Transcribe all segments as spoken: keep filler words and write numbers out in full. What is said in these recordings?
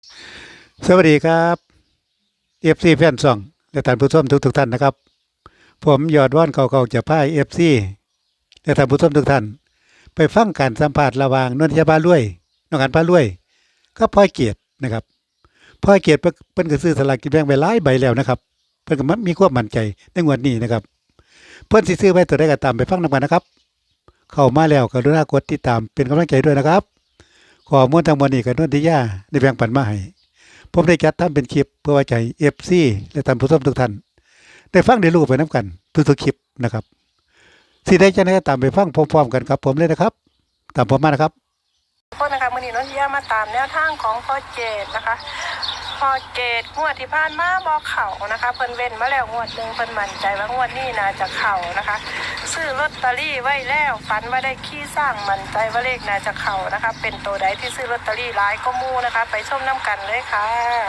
สวัสดีครับเอฟซีแฟนซองและท่านผู้ชมทุกทุกๆท่านนะครับผมยอดว่านเก่าๆจะพายเอฟซีและท่านผู้ชมทุกท่านไปฟังการสัมภาษณ์ระหว่างนนทยาบาลุยน้องกันพาลุยก็พ่อยเกียรตินะครับพ่อยเกียรติเพิ่นเพิ่นก็ซื้อสลากกินแบ่งไปหลายใบแล้วนะครับเพิ่นก็มมีความมั่นใจในงวดนี้นะครับเพิ่นสิซื้อไว้ตัวใดก็ตามไปฟังนำกันนะครับเข้ามาแล้วกรุณากดติดตามเป็นกำลังใจด้วยนะครับข้อมูลทั้งหมดนี้ก็นนทิยาได้แบ่งปันมาให้ ผมได้จัดทำเป็นคลิปเพื่อไว้ใจ เอฟ ซี และท่านผู้ชมทุกท่านได้ฟังได้รู้ไปน้ำกันทุกๆคลิปนะครับสิได้จะได้ตามไปฟังพร้อมๆกันครับผมเลยนะครับตามผมมานะครับทุกคนนะคะมื่อนี้นนทิยามาตามแนวทางของพ่อเจดนะคะพ่อเจดงวดที่ผ่านมาบอกเข่านะคะเพิ่นเว้นมาแล้วงวดหนึ่งเพิ่นมั่นใจว่างวดนี้น่าจะเข่านะคะซื้อลอตเตอรี่ไว้แล้วฝันว่าได้ขี้สร้างมั่นใจว่าเลขน่าจะเข่านะคะเป็นตัวใดที่ซื้อลอตเตอรี่หลายก็มูนะคะไปชมน้ำกันเลยค่ะ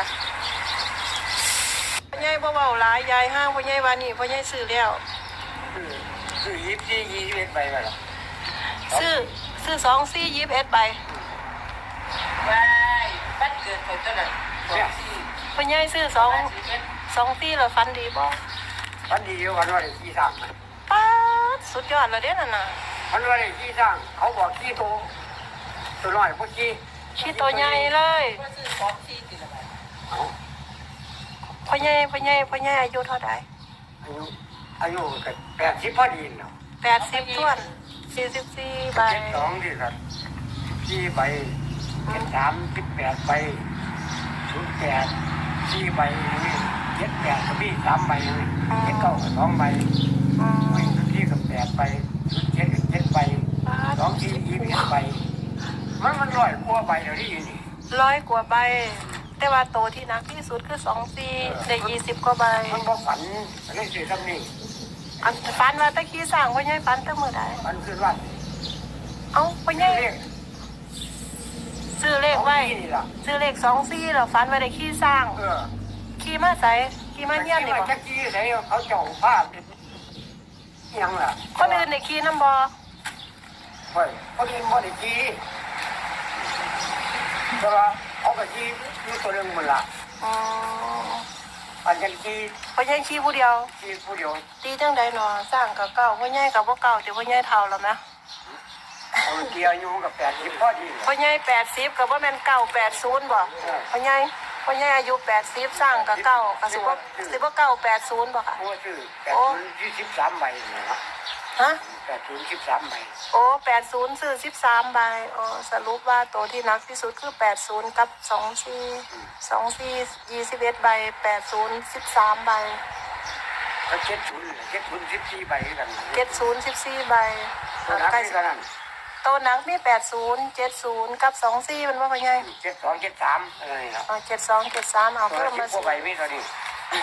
พ่อใหญ่บ่เว้าหลายยายห้างพ่อใหญ่ว่านี่พ่อใหญ่ซื้อแล้วซื้อยี่สิบสี่ยี่สิบเอ็ดใบไปหรอซื้อซื้อสองสี่ยี่สิบเอ็ดใบไปบ้านเกิดคนเท่านั้นพ่อใหญ่ซื้อสองสองสี่แล้วฟันดีบ่วันดีวันวันที่สร้างป๊าดสุดยอดเลยเด้นั่นน่ะวันวันที่สร้างเขาบอกขี้โตตัวน้อยพวกขี้ขี้ตัวใหญ่เลยพ่อใหญ่พ่อใหญ่พ่อใหญ่อายุเท่าไหร่อายุอายุกันแปดสิบพอดีเนาะแปดสิบท้วนสี่สิบสี่ใบสองที่สัตว์สี่ใบเจ็ดสามสิบแปดใบศูนย์แปดสี่ใบนี่เจ็ดแปดกับพี่สามใบนี่เจ็ดเก้ากับสองใบวิ่งที่กับแปดใบเจ็ดกับเจ็ดใบสองที่ยี่สิบใบมันมันร้อยกว่าใบเดี๋ยวนี้นี่ร้อยกว่าใบแต่ว่าโตที่นักที่สุดคือสองสี่ได้ยี่สิบกว่าใบมันก็ฝันอันนี้สิทำนี่อันฝันว่าตะกี้สร้างพ่อใหญ่ฝันตั้งเมื่อใดฝันคือว่าเอ้าพ่อใหญ่ซื้อเลขไว้ซื้อเลขสองสี่แล้วฝันว่าได้ขี้สร้างขี้มาใส่ขี้มาเยี่ยมนี่บ่จะขี้ใส่เขาเจาะผ้ายังล่ะคนอื่นได้ขี้น้ำบ่เฮ้ยเขาดีบ่ได้ขี้แต่ว่าเขาก็ขี้มีตัวเรื่องมันละอ๋ออันยังขี้พ่อใหญ่ขี้ผู้เดียวขี้ผู้เดียวตีจังใดเนาะสร้างกับเก่าพ่อใหญ่กับบ่เก่าแต่พ่อใหญ่เฒ่าแล้วนะเอาเกี่ยวอยู่กับแปดสิบพอดีพ่อใหญ่แปดสิบกับว่าแม่นเก่าแปดศูนย์บ่พ่อใหญ่พ่อใหญ่อายุแปดสิบสร้างกับเก่ากับสิบว่าสิบว่าเก่าแปดศูนย์บ่ค่ะโอ้ชื่อแปดศูนย์ยี่สิบสามใบนะฮะแปดศูนย์สิบสามใบโอ้แปดศูนย์ซื้อสิบสามใบโอ้สรุปว่าตัวที่หนักที่สุดคือแปดศูนย์กับสองสี่สองสี่ยี่สิบเอ็ดใบแปดศูนย์สิบสามใบก็เจ็ดศูนย์เจ็ดศูนย์สิบสี่ใบกันเจ็ดศูนย์สิบสี่ใบใกล้กันตัวหนักมีแปดศูนย์เจ็ดศูนย์กับสองสี่มันว่าเป็นไงเจ็ดสองเจ็ดสามอะไรเนาะเจ็ดสองเจ็ดสามเอาเพิ่มมาสิบใบไม่เท่านี้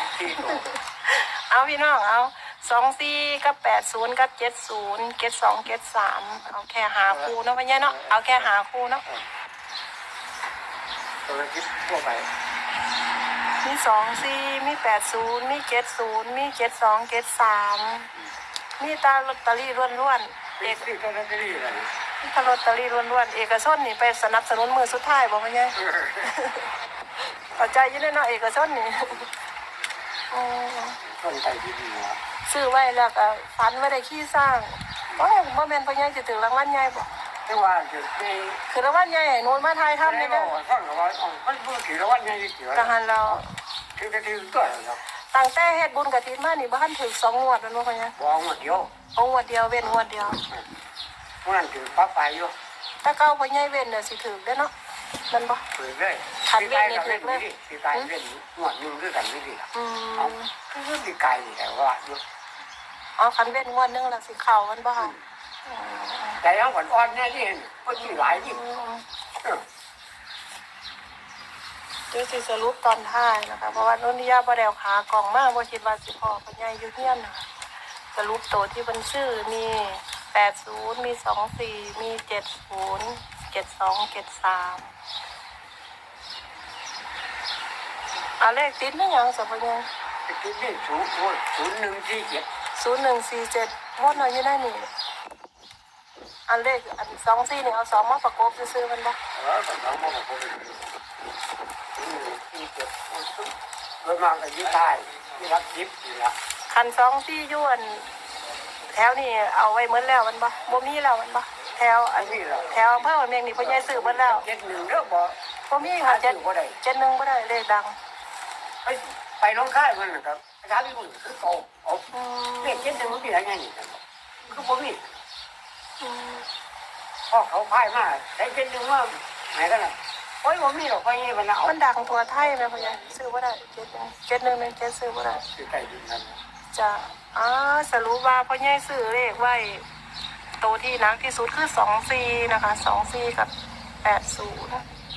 เอาพี่น้องเอาสองสี่กับแปดศูนย์กับเจ็ดศูนย์เจ็ดสองเจ็ดสามเอาแค่หาคู่เนาะพี่เนาะเอาแค่หาคู่เนาะตัวคิดพวกไปมีสองสี่มีแปดศูนย์มีเจ็ดศูนย์มีเจ็ดสองเจ็ดสามมีตาลอตเตอรี่ล้วนๆเอกที่ลอตเตอรี่อะไรตาลอตเตอรี่ล้วนๆเอกชนนี่ไปสนับสนุนมือสุดท้ายบอกว่าไงปัจจัยยืนเนาะเอกชนนี่คนใจดีๆนะซื้อไว้แล้วก็ฝันไว้ได้ขี้สร้างโอ้ยบ่แม่นพ่อใหญ่สิถึงรางวัลใหญ่บ่แต่ว่าจะมีคือรางวัลใหญ่ให้นูนมาทายทำนี่เด้อท่านก็ว่ามันบ่ถือรางวัลใหญ่เกี่ยวกะหันเราถือก็ถือก็แล้วตั้งแต่เฮ็ดบุญกฐินมานี่บ่ทันถึงสองงวดแล้วเนาะพ่อใหญ่บ่งวดเดียวเอางวดเดียวเว้นงวดเดียวมื้อนั้นถือปั๊บไปอยู่ถ้าเก่าพ่อใหญ่เว้นน่ะสิถึงเด้อเนาะมันบ่ถือเลยคันเว้นนี่ถึงเลยสิตายเว้นงวดนึงคือกันนี่ดิอืมคือสิไกลแต่ว่าอยู่อ๋อคันเว้นงวดนึงแล้วสิเข้ามันบ่ค่ะแต่ยังอ่อนๆแน่นี่เพิ่นสิหลายยิ่งเดี๋ยวสิสรุปตอนท้ายนะคะเพราะว่านนทิยาบ่ได้เอาขากล่องมาบ่คิดว่าสิพอพ่อใหญ่อยู่เฮียนนะคะสรุปตัวที่เพิ่นซื้อมีแปดศูนย์มีสองสี่มีเจ็ดศูนย์เจ็ดสองเจ็ดสามอ่ะเลขติดนี่หยังซะพ่อใหญ่ติดนี่ศูนย์ศูนย์หนึ่งสี่เจ็ดศูนย์หนึ่งสี่เจ็ดหมดเลยอยู่ได้นี่อันเลขอันสองสี่นี่เอาสองมาประกบซื้อมันบ่เออสองมาประกบที่เจ็ดโดยมากก็อยู่ใต้ที่รักยิบนี่ละคันสองสี่อยวนแถวนี่เอาไว้เหมือนแล้วมันบ่บ่มีแล้วมันบ่แถวอันแถวอำเภอเมียงนี่พ่อใหญ่ซื้อหมดแล้วเจ็ดหนึ่งเด้อบ่บ่มีค่ะเจ็ดเจ็ดหนึ่งบ่ได้เลขดังไปไปน้องค่ายมันนะครับอาจารย์พี่บุญคือเก่าเอาอืมเลขเจ็ดหนึ่งมันเป็นอะไรนี่คือบ่มีอืมพอเขาพายมาได้เจ็ดหนึ่งว่าไหนกันน่ะโอ้ยบ่มีหรอกไปนี่มันเอามันดังทั่วไทยแม่พ่อใหญ่ซื้อบ่ได้เจ็ดหนึ่งเจ็ดหนึ่งหนึ่งเจ็ดซื้อบ่ได้คือใกล้ดินนั่นจะอ่าสรุปว่าพ่อใหญ่ซื้อเลขไว้โตวที่หนักที่สุดคือสองสี่นะคะสองสี่กับแปดศูนย์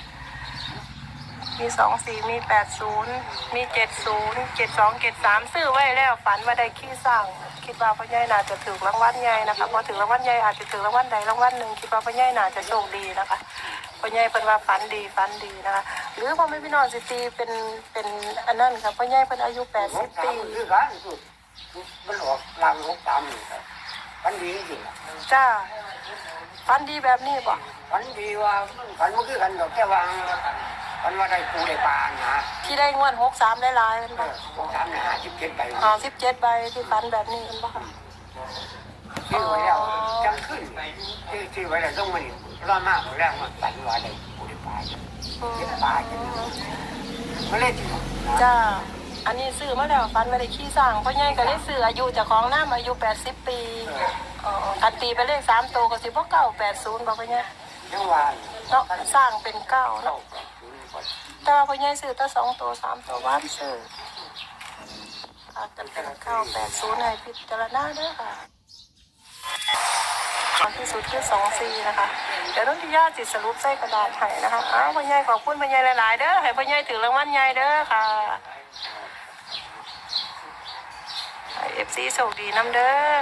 มีสองสี่มีแปดศูนย์มีเจ็ดศูนย์เจ็ดสองเจ็ดสามซื้อไว้แล้วฝันว่าได้ขี้สร้างคิดว่าพ่อใหญ่น่าจะถือรางวัลใหญ่นะคะพอถือรางวัลใหญ่อาจจะถือรางวัลใดรางวัลหนึ่งคิดว่าพ่อใหญ่น่าจะโชคดีนะคะพ่อใหญ่เป็นว่าฝันดีฝันดีนะคะหรือพ่อแม่พี่น้องสิตีเป็นเป็นอันนั้นค่ะพ่อใหญ่เป็นอายุแปดหสิกบสาปีมคือกันสุดมันออกลางหกสามนี่ครับฝันดีจริงจ้าฝันดีแบบนี้บ่ฝันดีว่าฝันมันคือกันดอกแค่ว่าฝันว่าได้ปูได้ปลานะที่ได้งวดหกสามหลายๆเป็นบ่หกสามเนี่ยห้าสิบเจ็ดใบอ๋อสิบเจ็ดใบที่ฝันแบบนี้เป็นบ่ค่ะชื่อไว้แล้วจังขึ้นชื่อชื่อไว้แล้วต้องมันร้อนมากแรงมันฝันว่าได้ปูได้ปลาเจ็ดปลาเจ็ดมันเล่นจริงจ้าอันนี้ซื้อมาแล้วฝันว่าได้ขี้สร้างพ่อใหญ่ก็เลยซื้ออายุเจ้าของน้ำอายุแปดสิบปีอ๋อคันตีไปเลขสามตัวก็สิบ่เก้าแปดศูนย์บ่พ่อใหญ่ยังว่าเนาะสร้างเป็นเก้าเนาะแต่ว่าพ่อใหญ่ซื้อแต่สองตัวสามตัวว่านซื้ออาจจะเป็นเก้าแปดศูนย์ให้พิจารณาเด้อค่ะตอนที่สุดคือสองสี่นะคะเดี๋ยวน้องทิยาจิตสรุปใส่กระดาษให้นะคะอ้าวพ่อใหญ่ขอบคุณพ่อใหญ่หลายๆเด้อให้พ่อใหญ่ถือรางวัลใหญ่เด้อค่ะเอฟซีโชคดีน้ำเด้อ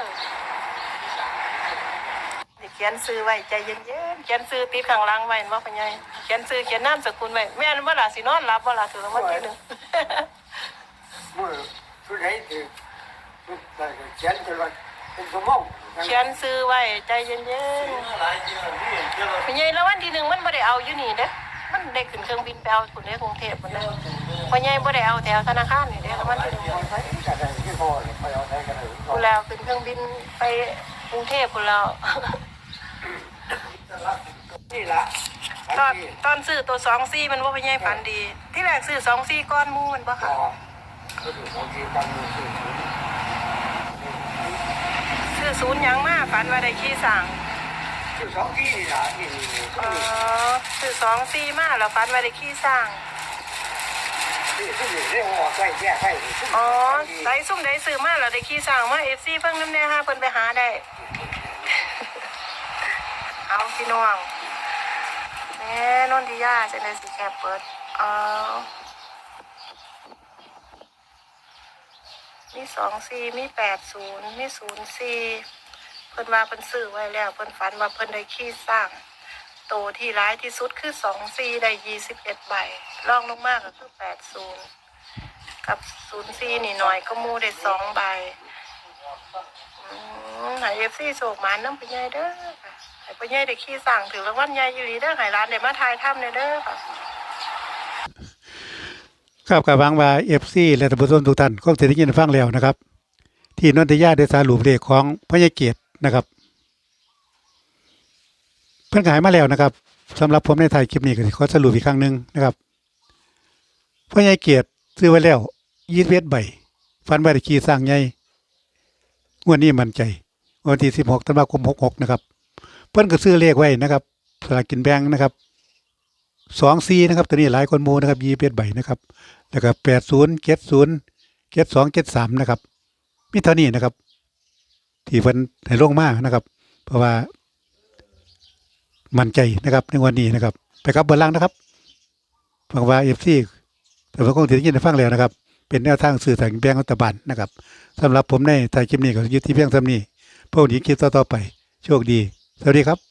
เขียนซื้อไว้ใจเย็นๆเขียนซื้อติดข้างหล่างไว้ว่าพ่อใหญ่เขียนซื้อเขียนน้ำสกุลไว้แม่นว่าล่ะสินอนรับว่าล่ะถือรางวัลที่หนึ่งมือชุดไหนถือเขียนจนว่าเป็นสมองเขียนซื้อไว้ใจเย็นๆพ่อใหญ่รางวัลที่หนึ่งมันไม่ได้เอาอยู่นี่เด้อมันได้ขึ้นเครื่องบินไปเอาคนในกรุงเทพฯมันเด้อพ่อใหญ่ไม่ได้เอาแถวธนาคารนี่เด้อรางวัลที่หนึ่งคุณแล้วขึ้นเครื่องบินไปกรุงเทพคุณแล้วนี่ละตอนตอนซื้อตัวสองซี่มันว่าพ่อใหญ่ฝันดี ที่แรกซื้อสองซี่ก้อนหมูมันบ่ค่ะ ซื้อศูนย์หยังมาฝันว่าได้ขี้สั่งคือสองที่นี่ละนี่อ๋อซื้อสองซี่มาแล้วฝันว่าได้ขี้สั่งนี่ที่นี่เรียกว่าใกล้แก้ใกล้อ๋อไดซุ่มไดซื้อมาแล้วได้ขี้สั่งมาเอฟซีเพิ่งน้ำแน่ฮะเพิ่นไปหาได้ เอาพี่น้องแหม่นนทิยาจะได้สิแคบเปิดอ๋อมีสองสี่มีแปดศูนย์มีศูนย์สี่เพิ่นว่าเพิ่นซื้อไว้แล้วเพิ่นฝันว่าเพิ่นได้ขี้สร้างโตที่ร้ายที่สุดคือสองสี่ได้ยี่สิบเอ็ดใบรองลงมากก็คือแปดศูนย์กับศูนย์สี่นี่หน่อยก็มูได้สองใบอืมหายเอฟซีโศกหมานน้ำไปใหญ่เด้อค่ะหายไปใหญ่ได้ขี้สร้างถือรางวัลใหญ่อยู่ดีเด้อหายร้านได้มาทายถ้ำเด้อค่ะครับกับวางว่าเอฟซีและท่านผู้ชมทุกท่านคงจะได้ยินฟังแล้วนะครับ ที่นนทยาได้สรุปเลขของพญาเกียรตินะครับ เพิ่นขายมาแล้วนะครับสำหรับผมในไทยคลิปนี้ก็ขอสรุปอีกครั้งหนึ่งนะครับพญาเกียรติซื้อไว้แล้วยี่สิบเอ็ดใบฟันใบตะคีสร้างใหญ่งวดนี้มั่นใจวันที่สิบหกธันวาคมหกหกนะครับเพิ่นก็ซื้อเลขไว้นะครับสลากกินแบ่งนะครับสองซีนะครับตัวนี้หลายคนโมนะครับยี่สิบเอ็ดใบนะครับแล้วก็แปดศูนย์เจ็ดศูนย์เจ็ดสองเจ็ดสามนะครับมีเท่านี้นะครับ ที่เพิ่นให้ลงมานะครับ เพราะว่ามั่นใจนะครับในวันนี้นะครับ ไปครับเบอร์ล่างนะครับฟังว่าเอฟซีแต่ผมคงถือยินได้ฟังแล้วนะครับ เป็นแนวทางสื่อสารแบ่งรัฐบาลนะครับสำหรับผมในถ่ายคลิปนี้ก็ยุติเพียงเท่านี้พวกนี้คลิปต่อๆไปโชคดีสวัสดีครับ